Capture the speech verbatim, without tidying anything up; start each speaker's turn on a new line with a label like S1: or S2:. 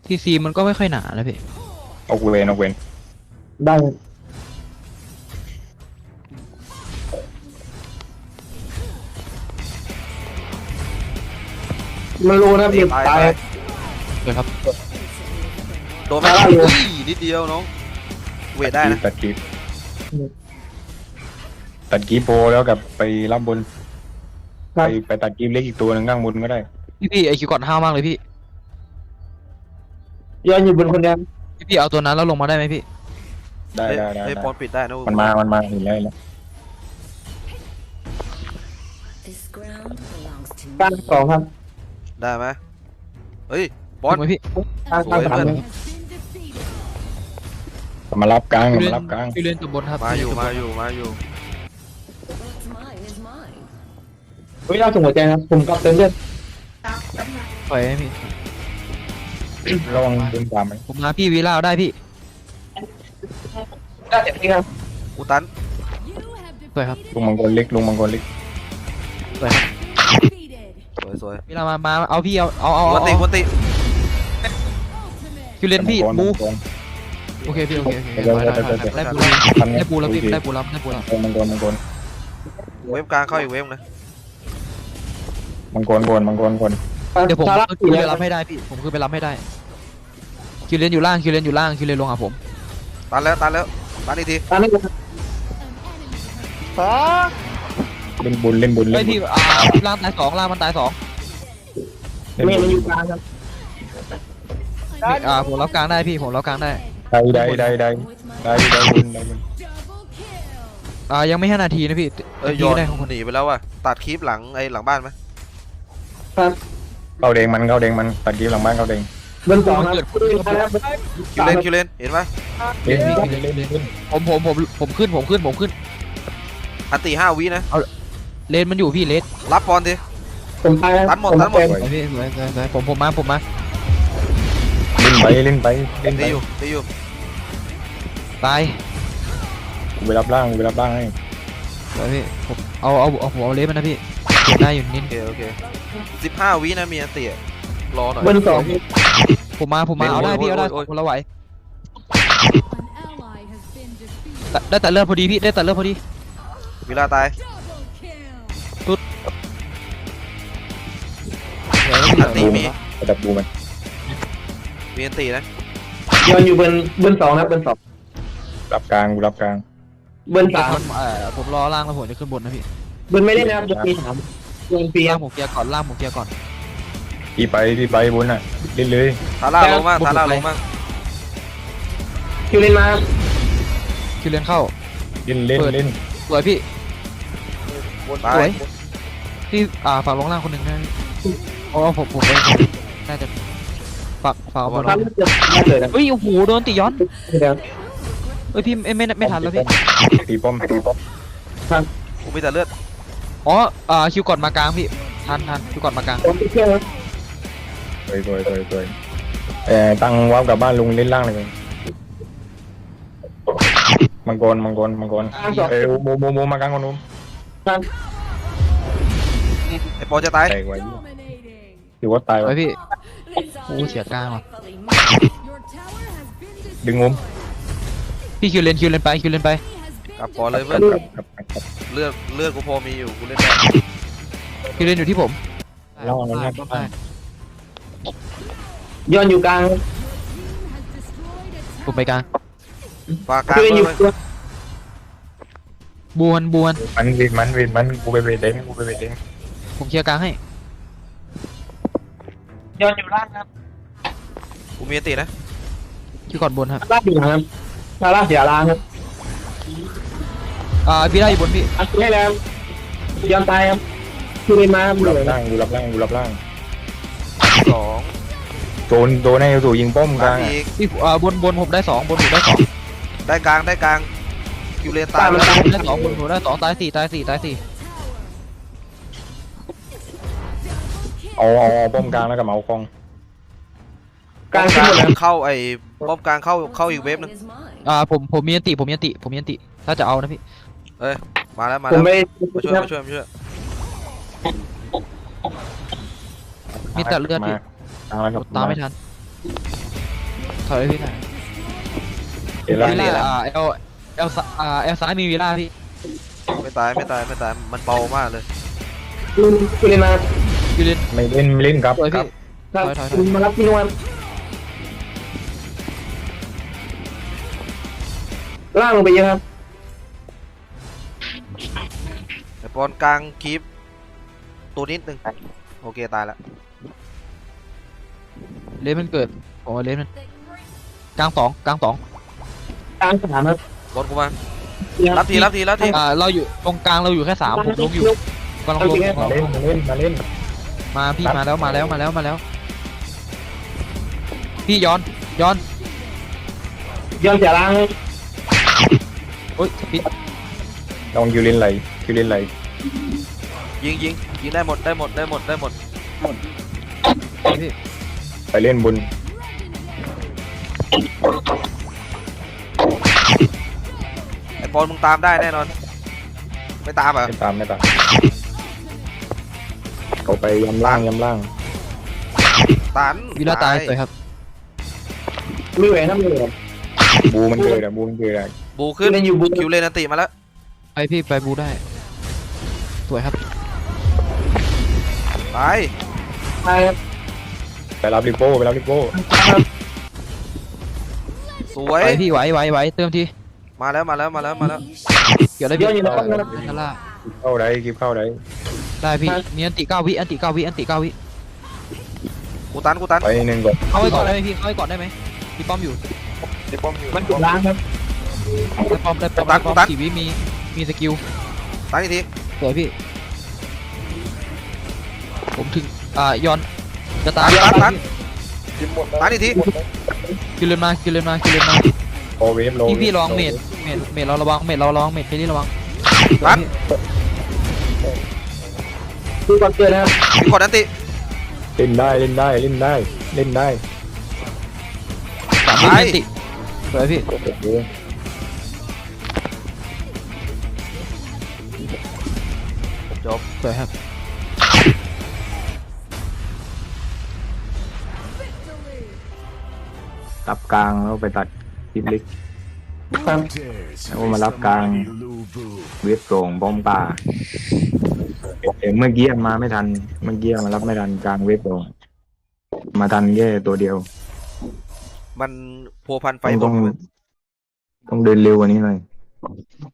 S1: ทีซีมันก็ไม่ค่อยหนานะพี่
S2: เอาเวนเอาเวน
S3: ได้ไม่รู้นะพี่ตาย
S1: เลยครับ
S4: โดนไปนิดเดียวน้องเวทได้นะ
S2: ตัดกีบตัดกีบโปแล้วกับไปรับบนไปไปตัดกีบเล็กอีกตัวหนึ่งข้างบนก็ได้
S1: พี่พี่ไอคิวก่อนห้าวมากเลยพี่
S3: ย้อนอยู่บนคนเดียว
S1: พี่พี่เอาตัวนั้นแล้วลงมาได้ไหมพี่
S2: ได้ได้ได้
S4: ปอนปิดได้นะ
S2: มันมามันมาเห็นแล้วแล้ว
S3: การสองครับ
S4: ได้ไหมเฮ้ยบอล
S1: พี่
S3: การสาม
S2: มารับกลางมารับกลาง
S1: พี่เล่นกับบนครับ
S4: มาอยู่มาอยู่มาอยู่
S3: เฮ้ยเราส่งหัวใจนะผมกับเต็มเลือด
S1: ปล่อยให้พี่
S2: ระวังดึงตามไป
S1: ผมมาพี่วีล่าได้พี่
S3: ได้เจ็บที่ครับ
S4: อุตัน
S1: สวยครับ
S2: ลุงมังกรเล็กลุงมังกรเล็ก
S1: สวยครับ
S4: สวยสวย
S1: วีล่ามามาเอาพี่เอาเอาเอา
S4: วันติวันติ
S1: คิวเลนพี่บูโอเคพี่โอเคโอเคได้ปูได้ปูแล้วพี่ได้ปูแล้วได้ปูแล้ว
S2: มังกรมังกร
S4: เวฟกลางเข้าอีกเวฟนะ
S2: มังกรกรมังกรกร
S1: เดี๋ยวผมคือไปรับให้ได้พี่ผมคือไปรับให้ได้คิวเลนอยู่ล่างคิวเลนอยู่ล่างคิวเลนลงหาผม
S4: ตันแล้วตันแล้วตันอีกที
S3: ตันนี่ก็
S2: เล่นบุญเล่นบุญเล่น
S1: พี่อ่าล่างตายสองล่างมันตายสอง
S3: ไม่มันอยู่กลางครับ
S1: อ่าผมรับกลางได้พี่ผมรับกลางได้
S2: ได้ได้ได้ได้ได้ได้บุญได้บุญ
S1: อ่ายังไม่ห้านาทีนะพี่
S4: เอ้ยโยนหนีไปแล้วว่ะตัดคลิปหลังไอ้หลังบ้านไหม
S3: ครับ
S2: เข้าแดงมันเข้าแดงมันตัดกีบหลังบ้านเข้าแดง
S3: เบนสองครับ
S4: คิวเลนคิวเลนเห็นไหม
S2: เล่นเล่นเล่นเล่น
S1: ผมผมผมผมขึ้นผมขึ้นผมขึ้น
S4: อันตีห้าวินะ
S1: เอาเลนมันอยู่พี่เลน
S4: รับบอลดิ
S3: ผมไป
S4: ตัดหมดตัดหมด
S1: พี่ผมผมมาผมมา
S2: เล่นไปเล่นไปเล่นไป
S4: ตีอยู่ตีอยู่
S1: ตาย
S2: กูไปรับร่างกูไปรับร่างให้
S1: เดี๋ยวพี่ผมเอาเอาเอาผมเอาเลนมันนะพี่เก็บได้อยู่นิด
S4: โอเคโอเคสิบห้าวินะมีอันตีรอหน่อย
S3: เบนสอง
S1: ผมมาผมมาเอาได้พี่เอาได้ผมละไหวได้แต่เลือดพอดีพี่ได้แต่เลือดพอดี
S4: เวลาตาย
S1: ตุ๊ด
S4: อันตีมี
S2: จับบูมัน
S4: มีอันตีนะ
S3: ย้อนอยู่บนบนสองนะบนสอง
S2: รับกลางกูรับกลาง
S3: บนสาม
S1: ผมรอล่างแล้วผมจะขึ้นบนนะพี่
S3: บนไม่ได้นะครับจะปีสามลงปี
S1: ล่างผมเกียร์ก่อนล่างผมเกียร์ก่อน
S2: พี่ไปพี่ไปบนอ่ะเล่นเลย
S4: ทาร่าลงมากทาร่าลงมาก
S3: คิวเลนมา
S1: คิวเลนเข้า
S2: เล่นเล่นเล่น
S1: สวยพี่
S4: สวย
S1: พี่อ่าฝากลงล่างคนหนึ่งนะอ๋อผมผมน่าจะฝากฝากบอลเฮ้ยโอ้โหโดนตีย้อนเฮ้ยพี่ไม่ไม่ไม่ทันแล้วพี่
S2: ตีป้อมตีป้อม
S4: กูมีแต่เลือด
S1: อ๋ออ่าคิวก่อนมากลางพี่ทันทันคิวก่อนมากลาง
S2: สวยสวยสวยสวยเอ่อตั้งว้าวกับบ้านลุงเล่นล่างเลยมังกรมังกรมังกรเอ้ยโมโมโมมากลางคนนู้น
S4: ไอ้ปอจะตาย
S2: ถือว่าตาย
S1: ไว้พี่โอ้เสียกลางว่ะ
S2: ดึงงม
S1: พี่คิวเลนคิวเลนไปคิวเลนไป
S4: กลับก่อนเลยเพื่อนเลือดเลือดกูพอมีอยู่กูเล่นได้
S1: คิวเลนอยู่ที่ผม
S2: เล่าแล้วนะ
S3: ย้อนอยู่กลาง
S1: ผมไปกลาง
S4: ปากกลางเลย
S1: บวนบวน
S2: มันเวทมันเวทมันกูไปเวทเองกูไปเวทเอง
S1: ผมเคลียร์กลางให้
S3: ย้อนอยู่ล่างครับ
S4: กูมีตีนะ
S1: ที่ก่อนบนครับ
S3: ล่างอยู่ครับล่างเสียล่างครับ
S1: อ่าพี่ได้อยู่บนพี่
S3: อัดให้แล้วย้อนตายครับคือไม่มา
S2: กูรับล่างกูรับล่างกูรับล่าง
S4: สอง
S2: โดนโดนให้ถูยิงป้อมกลาง
S1: พี่อ่าบนบนผมได้สองบนผมได้สอง
S4: ได้กลางได้กลางคิวเลนตาย
S1: ได้สองบนผมได้สองตายสี่ตายสี่ตายสี่
S2: เอาเอาป้อมกลางแล้วกับเมาคอง
S4: กลางเข้าไอ้ป้อมกลางเข้าเข้าอีกเวฟนึง
S1: อ่าผมผมมีอันติผมมีอันติผมมีอันติถ้าจะเอานะพี่
S4: เอ้ยมาแล้วมาแล้วมาช่วยมาช่วยมาช่วย
S1: มีแต่เลือดพี่ตามไม่ทันอยเลยพี่ถอย
S2: เดี๋ยวล่าง
S1: วิล
S2: เดี๋ยวล่าง
S1: ล่าอ่าเอลเอลซ้ายอ่าเอลซ้ายมีวิลล่าพี่
S4: ไม่ตายไม่ตายไม่ตายมันเบามากเลย
S3: ลุงคุณเลยมา
S1: ยูเลน
S2: ไม่เล่นไม่เล่นครับ
S1: สวย
S2: ครั
S1: พี่
S2: บ
S3: ครับ
S1: ถอยถอยถอย
S3: ลุงมารับพี่นวลล่างลงไปเยอะครับ
S4: ไอ้ปอนกลางคีปตัวนิดนึงโอเคตายละ
S1: เลนมันเกิดผมว่าเลนมันกลางสองกลางสอง
S3: กลางสนามครับ
S4: บอลกูมารับทีรับทีรับที
S1: อ่าเราอยู่ตรงกลางเราอยู่แค่สามผมลงอยู่กำลังลง
S2: มาเล่นมาเล่นมาเล่น
S1: มาพี่มาแล้วมาแล้วมาแล้วมาแล้ว พี่ย้อนย้อน
S3: ย้อนเสียล่าง
S1: โอ๊ยปิด
S2: ลองคิวเล่นไหลคิวเล่นไหล
S4: ยิงยิงยิงได้หมดได้หมดได้หมดได้หมด
S1: พี่
S2: ไปเล่นบน
S4: ไอ้ปอนมึงตามได้แน่นอนไม่ตามเหรอ
S2: ไม่ตามไม่ตามเขาไปยำล่างยำล่าง
S4: ตัน
S1: วิลล่าตายสวยครับ
S3: ไม่ไหวนะไม่ไหว
S2: บูมันเกิดอะบูมันเกิดอะ
S4: บูขึ้น
S3: เล่นอยู่บู
S4: คิวเลนอันติมาแล้ว
S1: ไปพี่ไปบูได้สวยครับ
S4: ไป
S3: ใช่ครับ
S2: ไปรับริโป้ไปรับริโป้
S4: สวย
S1: ไปพี่ไหวไหวไหวเติมที
S4: มาแล้วมาแล้วมาแล้วมาแล้ว
S1: เกี่ยวได้
S3: ย้
S1: พี่
S3: อนอยู่ใน
S1: เอ
S3: ป้อม
S1: อ
S3: นะครับ
S1: นั่นล่ะ
S2: เข้าได้คลิปเข้าได้
S1: ได้พี่มีอันติเก้าวิอันติเก้าวิอันติเก้าวิ
S4: กูตันกูตัน
S2: ไปหนึ่งก่อน
S1: เข้าไว้ก่อนได้ไหมพี่เข้าไว้ก่อนได้ไหมพี่ป้อมอยู่
S3: มันจุดล้างครับ
S1: ได้ป้อมได้ป้อมได้ป้อมสี่วิมีมีสกิล
S4: ตันอีกที
S1: สวยพี่ ผมถึงอ่าย้อนจะตาย
S4: ตันตันตันอีกที
S1: กินเลนมากินเลนมากินเลนมา
S2: โอเวฟโล
S1: พี่พี่ระวังเมดเมดเมดเราระวังเมดเราระวังเมดพี่นี่ระวัง
S4: ตัน
S3: คือก่อนเกิดนะครับ
S4: มีกดอันติ
S2: เล่นได้เล่นได้เล่นได้เล่นได้
S1: สามวิอันติสวยพี่
S2: โอ้โห
S4: จบ
S1: สวยครับ
S2: รับกลางแล้วไปตัดคลิปเล็ก
S3: ครับ
S2: แล้วมารับกลางเวฟส่งบอมป่าเอ็มเมื่อกี้มาไม่ทันเมื่อกี้มารับไม่ทันกลางเวฟส่งมาทันแค่ตัวเดียว
S4: มันพัวพันไฟ
S2: ต้อง
S4: บ
S2: ต้อน งต้องเดินเร็วกว่านี้หน่อย